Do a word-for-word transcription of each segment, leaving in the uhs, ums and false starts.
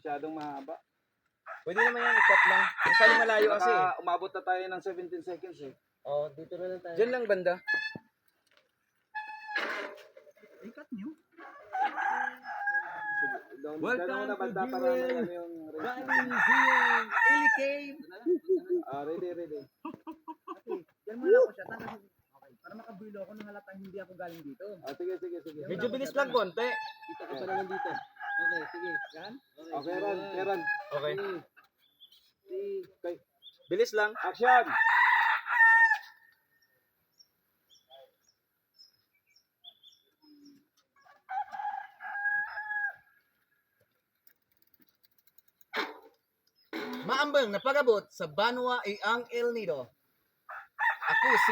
Masyadong mahaba. Pwede naman yan, i-cut lang. Masali malayo kasi. Baka umabot na tayo ng seventeen seconds eh. Oh, dito na lang tayo. Diyan lang banda. I-cut nyo. Doon, Welcome doon na to banda para Jewel. ano yung race Bali, natin. Zia, Ili Cave. Ah, ready, ready. Diyan mo lang ako siya. Tama. Okay. Para makabulo ako nang halatang hindi ako galing dito. Ah, sige, sige, sige. Medyo bilis lang konti. Kita ka pa naman dito. Okay, sige. Yan. Okay, Ron, okay, Ron. Okay. Okay. Bilis lang. Action! Maambang na pag-abot sa Banwa Iang El Nido. Ako si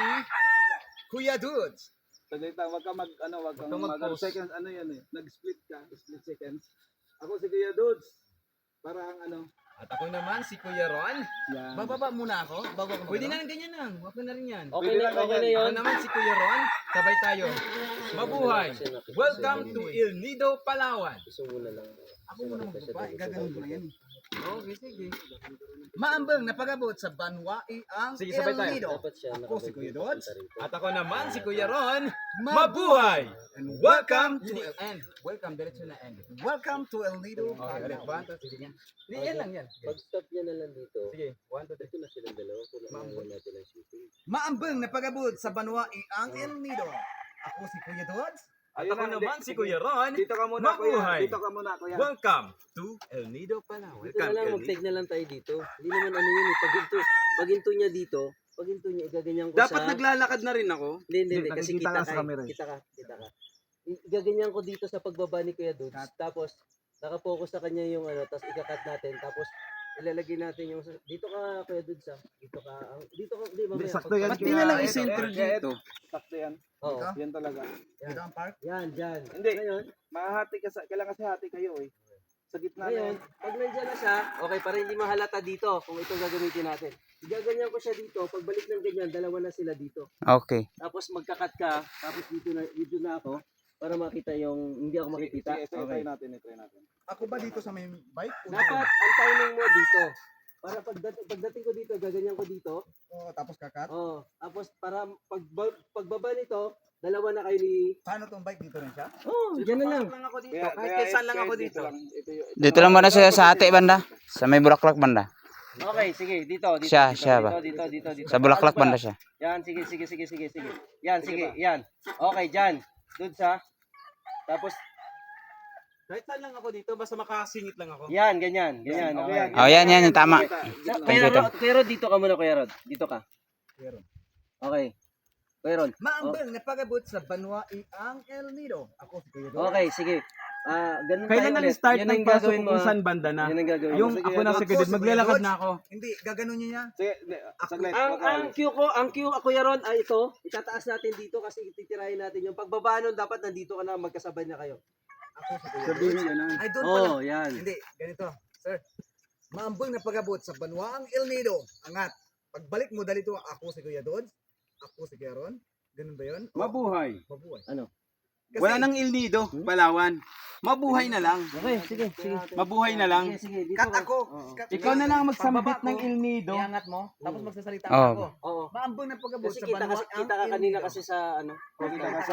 Kuya Dudes. Saglit lang, wag ka mag, ano, wag kang Wag kang mag, mag-pause. seconds, ano yan eh. Nag-split ka, split seconds. Ako si Kuya Dudes. Parang ano, At ako naman, si Kuya Ron. yan. Bababa muna ako. Bago ako. Pwede na lang ganyan lang. Huwag na rin yan. Okay Pwede na, lang okay na ganyan. yun. Ako naman si Kuya Ron. Sabay tayo. Mabuhay. Welcome to Il Nido, Palawan. Gusto mo na lang. Ako muna magbaba. Gaganon ko na yan. Okay, sige. Maambang na pag-abot sa Banwa Iang Sige, El sabay tayo. Nido. Dapat siya Ako si Kuya Dudes. At ako naman, si Kuya Ron. Mabuhay! And Welcome to to the end. Welcome, diretso na end. Welcome to El Nido. Okay, ulit. One, two, three. Yan. Hindi, yan lang yan. Pag-stop niya na lang dito. Sige, one, two, three. Dito na silang dalawa. Kulang na lang natin ang shooting. Maambang na pag-abot sa Banwa Iang El Nido. Ako si Kuya Dudes. At Ayun ako na, naman, di- si Kuya Ron. Dito ka muna, Kuya. Mabuhay. Dito ka muna, Kuya. Welcome to El Nido, Palawan. Dito na Welcome, lang, El mag-take Nido. na lang tayo dito. Hindi naman ano yun eh. Pag into, pag into niya dito, pag into niya, igaganyan ko Dapat sa... naglalakad na rin ako. Hindi, hindi, hindi. Kasi Nakikita kita ka ka, sa eh. camera eh. kita ka, kita ka. I- Igaganyan ko dito sa pagbaba ni Kuya Dudes. Tapos, nakapokus sa kanya yung ano, tapos ikakat natin. Tapos, ilalagay natin yung... Dito ka, Kuya Dudes ah. Dito ka. ang- Dito ka, di ba? Hindi, Maya, sakto yan. Ba't di Kuya. na lang Ito, i-center ito, dito? Sakto yan. Oo. Yan talaga. Dito ang park. Yan, dyan. Hindi. Ngayon, Mahati ka sa, kailangan kasi hati kayo eh. Sa gitna na ngayon, yan. pag nandiyan na siya, okay, para hindi mahalata dito kung itong gagamitin natin. Igaganyan ko siya dito. Pagbalik ng ganyan, dalawa na sila dito. Okay. Tapos magkakat ka, tapos dito na, dito na ako para makita yung, hindi ako makikita. Sige, ito, Okay. try natin, ito natin. Ako ba dito sa may bike? O Dapat ang timing mo dito. Para pagdating, pagdating ko dito, gaganyan ko dito. Oo, tapos kakat. Oh, tapos para pag pagbaba nito, dalawa na kayo ni... Paano tong bike dito rin siya? Oh, diyan na lang. Lang ako dito. Kaya, Kahit kaya, kaya saan lang kaya ako dito. lang. Ito, yung- ito Dito lang banda sa, sa ate banda. Sa may bulaklak banda. Okay, sige, dito, dito. Siya, dito, siya dito, ba? Dito, dito, dito. Sa bulaklak Alis banda pala. siya. Yan, sige, sige, sige, sige, sige. Yan, sige, yan. Okay, dyan. Doon sa. Tapos, Kahit saan lang ako dito, basta makasingit lang ako. yan, ganyan, ganyan. Okay, Okay. yan. Oh, yan, yan, yung tama. Kita, Sa- gitna. Kuya Thank you, Rod, Kuya Rod, dito ka muna, Kuya Rod. Dito ka. Kuya Rod. Okay. Kuya Rod. Maambang na pag-abot sa Banwa Iang El Nido. Ako si Kuya Dudes. Okay, sige. Ah, ganun Kailan tayo ang ulit. start Yan ng ang pasok gagawin mo, kung ah. saan banda na? Yan ang gagawin mo. Yung Sige, ako na Dodge. sa gilid, maglalakad na ako. Hindi, gaganon niya niya. Sige, hindi, saglit. Ang, wag ka ang ulit. cue ko, ang cue, Kuya Ron, ay ito. Itataas natin dito kasi titirahin natin yung pagbaba nun, dapat nandito ka na, magkasabay na kayo. Ako si Kuya Sabihin Dudes. niya na. Ay, doon pala. Oh, yan. Hindi, ganito. Sir, maambang na pag-abot sa Banwaang El Nido. Angat. Pagbalik mo dali to, ako si Kuya Dudes. Ako si Kuya Ron. Ganun ba yun? O, Mabuhay. mabuhay. Ano? Kasi, Wala nang Il Nido, Palawan. Mabuhay na lang. Okay, sige, sige. Mabuhay na lang. Sige, sige, dito cut ka. ako. Oo. Cut Ikaw na lang magsambit Pagbaba ng ko, Il Nido. Iangat mo, tapos magsasalita Oh. ako. Oo. Maambang na pag-abot Kasi sa kita, kasi, Banwaang kita ka El kanina Nido. kasi sa ano. Kita ka sa...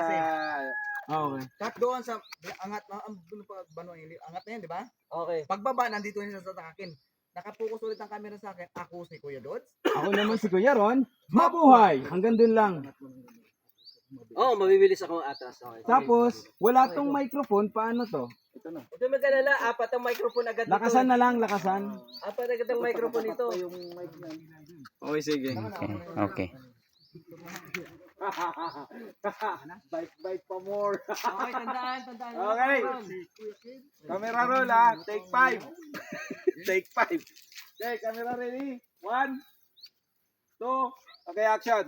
Okay. Cut doon sa angat, maambang na pag Banwaang El Nido. Angat na yan, di ba? Okay. Pagbaba, nandito niya sa akin. Nakapokus ulit ang camera sa akin. Ako si Kuya Dudes. Ako naman si Kuya Ron. Mabuhay. Hanggang dun lang. Oh, mabibilis ako atras. Okay. Tapos, wala tong microphone. Paano to? Ito na. Ito mag-alala, apat ang microphone agad dito. Lakasan na lang, lakasan. Apat agad ang microphone ito. Ito yung mic na. Okay, sige. Okay. Okay. Bike, bike pa more. Okay, tandaan, tandaan. Okay. Camera roll ah. Take five. Take five. Okay, camera ready. One, two. Okay, action.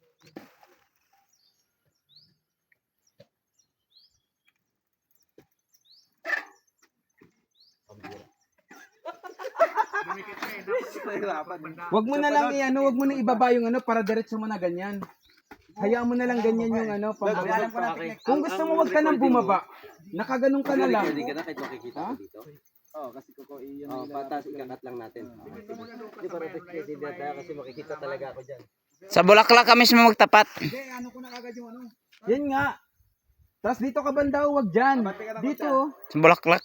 Nahirapan. Wag mo na lang i-ano, wag mo na ibaba yung ano para diretso mo na ganyan. Hayaan mo na lang ganyan yung ano. Pang, Alam ko na Okay. technique. kung gusto mo wag ka nang bumaba. Nakaganon ka na lang. Hindi ka na kahit makikita ko dito. Oh, kasi kuko iyon Oh, patas ikakat lang natin. Hindi para pwede tayo kasi makikita talaga ako diyan. Sa bulaklak ka mismo magtapat. Hindi, ano ko na kagad yung ano. Yan nga. Tapos dito ka banda, huwag dyan. Dito. Sa bulaklak.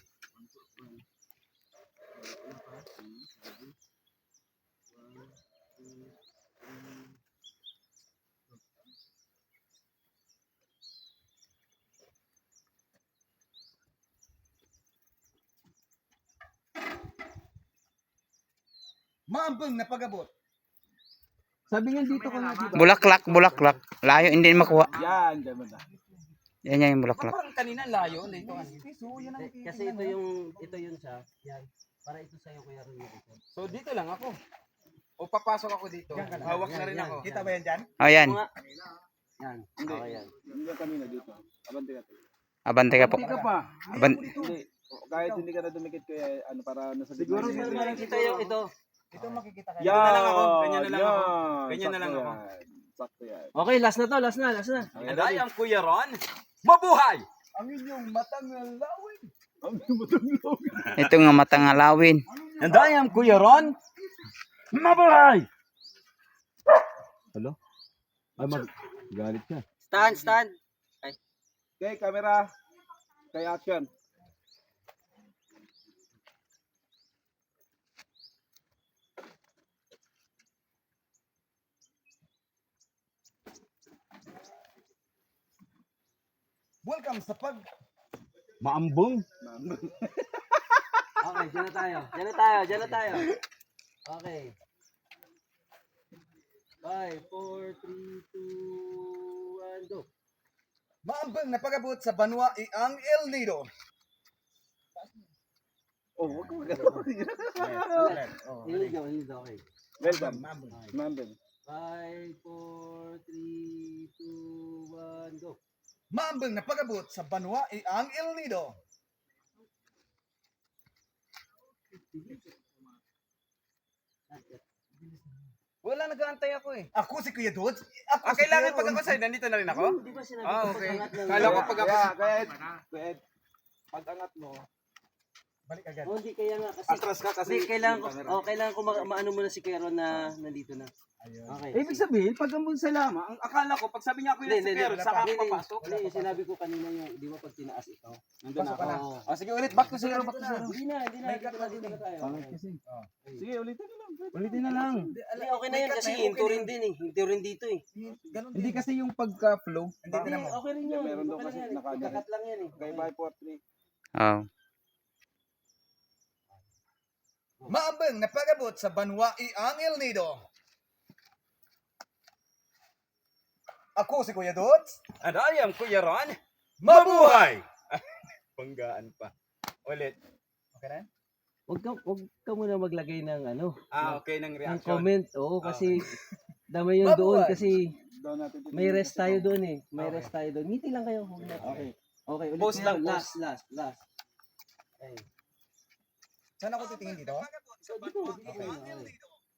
Maambang na pag-abot. Sabi nga dito ka nga, diba? Bulaklak, bulaklak. Layo, hindi makuha. Yan, dyan mo na. Yan yan yung bulaklak. Parang kanina layo. Dito ka. Kasi ito yung ito yun siya. Yan. Para ito sa iyo Kuya Ron. So dito lang ako. O papasok ako dito. Hawak na rin ako. Kita ba yan dyan? Oh, yan. Yan. Okay yan. Hindi kanina dito. Abante ka. Abante ka po. Hindi ka pa. Aban Hindi. Kahit hindi ka na dumikit ko ano para nasa Siguro gitna. Siguro parang kita yung ito. Ito makikita kayo. Yan. na lang ako. Ganyan na lang ako. Yan. Ganyan na lang Sakto ako. yan. Sakto yan. Okay, last na to, last na, last na. Okay, And I am Kuya Ron. Mabuhay! Ang inyong matang lawin. ito nga matang alawin. And I am Kuya Ron. Mabuhay! Hello? Ay, mag... Galit siya. Stand, stand. Okay, camera. Okay, action. Welcome sa pag... Maambong. Okay, dyan na tayo. Dyan na tayo, dyan na tayo. Okay. five, four, three, two, one, go. Maambang na pag-abot sa Banwa ang El Nido. Oh, wag mo Oh, hindi go, hindi go, okay. Welcome. Maambang. Mambel. five, four, three, two, one, go. Maambang na pag-abot sa Banwa ang El Nido. Wala, nag-aantay ako eh. Ako si Kuya Dudes. Ako Ah, si kailangan Kuya pag Ron. ako sa'yo, nandito na rin ako? Di ba sinabi Ah, ko okay. pag-angat lang Kala yun? ko pag ako... Kaya, kaya, kaya, pag angat mo, Balik agad. Oh, hindi kaya nga kasi. atras ka kasi. Hindi, kailangan ko, oh, kailangan ko ma- maano muna si Kero na nandito na. Okay. Ibig sabihin, pag ambon sa lama, ang akala ko, pag sabi niya ako Hindi, yung hindi, si Pero, hindi. saka ako Hindi, hindi. papasok. Hindi, yung sinabi ko kanina yung, di ba pag tinaas ito? Nandun Pasok ako. ka na. Oo. Ah, sige, ulit. Back to zero, back to zero. Hindi na, hindi na. Dito na, dito na tayo. Okay. Sige, ulitin na lang. Ulitin na lang. Hindi, okay na yun kasi hinto rin din eh. Hinto rin dito eh. Ganun Hindi din. kasi yung pagka-flow. Hindi Hindi, din mo. okay rin yun. Meron daw Okay kasi lang yan. naka- Ikakat lang yan eh. Okay, five, four, three. Oh. Maambang na pag-abot sa Banwa ang El Nido. Ako si Kuya Dudes. And I am Kuya Ron. Mabuhay! Banggaan pa. Ulit. Okay na? Huwag ka, huwag ka muna maglagay ng ano, Ah, okay ng ng reaction. comment. Oo, kasi damay yun doon kasi Down natin. may rest tayo doon eh. May rest tayo doon. Ngiti lang kayo. Huwag na. Okay. Okay, ulit Pause na lang, yun. pause. Last, last, last. Okay. Saan ako titingin dito? So, dito, dito. Okay.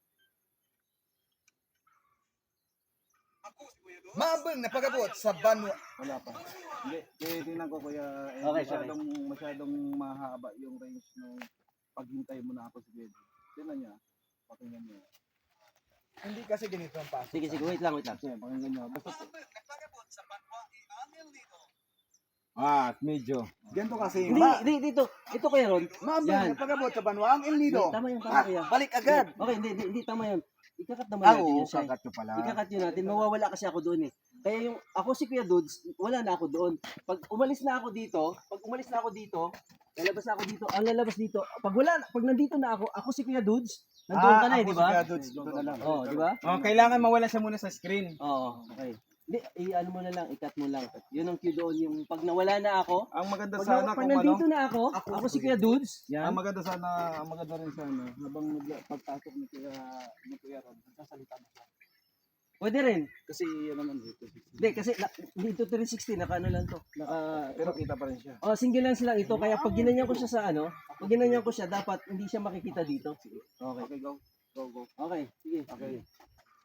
Maambang na pag-abot sa Banwa. Wala pa. Hindi, kaya tingnan ko kuya, eh, Okay, masyadong, masyadong mahaba yung range nung paghintay mo na ako sa bed. Tingnan niya. Pakinggan niya. Hindi kasi ganito ang pasok. Sige, sige, wait lang, wait lang. Sige, pakinggan niya. Basta, Maambang na pag-abot sa Banwa ang El Nido. Ah, medyo. ganito kasi. Hindi, hindi, dito. Ito kaya Ron. Maambang Yan. na pag-abot sa Banwa ang El Nido. Tama yan, tama kaya. Balik agad. Okay, hindi, hindi, hindi, tama yan. Ikakat naman Ah, natin oo, yun siya. kakat nyo pala. Ikakat yun natin. Mawawala kasi ako doon eh. Kaya yung, ako si Kuya Dudes, wala na ako doon. Pag umalis na ako dito, pag umalis na ako dito, lalabas na ako dito, ang lalabas dito, pag wala, na- pag nandito na ako, ako si Kuya Dudes, nandoon ka na eh, di ba? Dito na lang. Oo, di ba? Oh, kailangan mawala siya muna sa screen. Oo, okay. Hindi, i-ano mo na lang, ikat mo lang. Yun ang cue doon, yung pag nawala na ako, Ang maganda pag, sana na, pag kung ano, nandito na ako, ako, si Kuya Dudes, ang yan. maganda sana, ang maganda rin sana, habang nag- pagpasok ni Kuya, ni Kuya Ron, sasalita mo siya. Pwede rin. Kasi yun naman dito. Hindi, kasi na, dito three sixty, naka ano lang to. Naka, Pero kita pa rin siya. oh, single lens lang ito. Kaya pag ginanyan ko siya sa ano, pag ginanyan ko siya, dapat hindi siya makikita dito. Okay, okay, go. Go, go. Okay, sige. Okay. sige.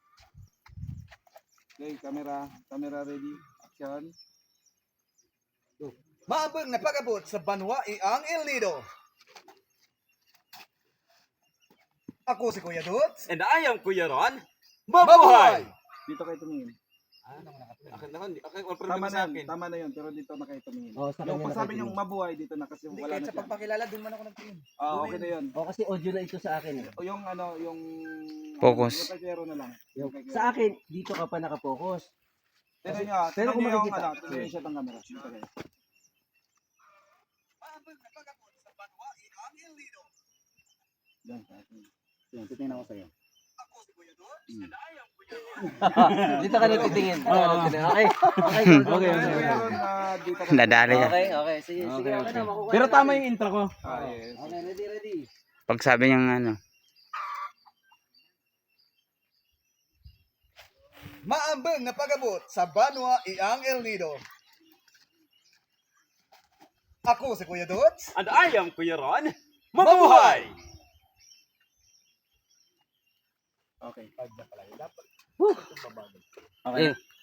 Okay, camera, camera ready. Action. Maambang na pag-abot sa Banwa ang El Nido. Ako si Kuya Dudes. And I am Kuya Ron. Mabuhay! Dito kayo tumingin. Akin na, hindi. Akin, all Tama sa na yun, akin. tama na yun, pero dito na kayo tumingin. Oh, sa Yung kanya pag sabi nakatingin. niyong mabuhay dito na kasi Hindi, wala kahit na sa siya. pagpakilala, doon man ako nagtingin. Ah, okay na yun. Oh, kasi audio na ito sa akin. eh. O yung ano, yung... Focus. Yung kay Kuya Ron na lang. Yung, kay Kuya sa Ron. akin, dito ka pa nakapokus. Tignan niyo, pero tignan kung niyo yung makikita- ano, tignan niyo siya ng camera. Dito kayo. Yan, sa akin. Yan, titingnan ko sa'yo. Dito ka natitingin. Okay. Okay. Okay, Okay. Kuya Ron, ah, dito ka. Nadali ka. Okay, okay. Sige, sige. Okay, Okay, okay. na, makukuha Pero na tama natin. yung intro ko. Ah, yes. Okay, ready, ready. Pag sabi niyang ano, Maambang na pag-abot sa Banwa Iang El Nido. Ako si Kuya Dudes. And I am Kuya Ron. Mabuhay! Okay. Eh,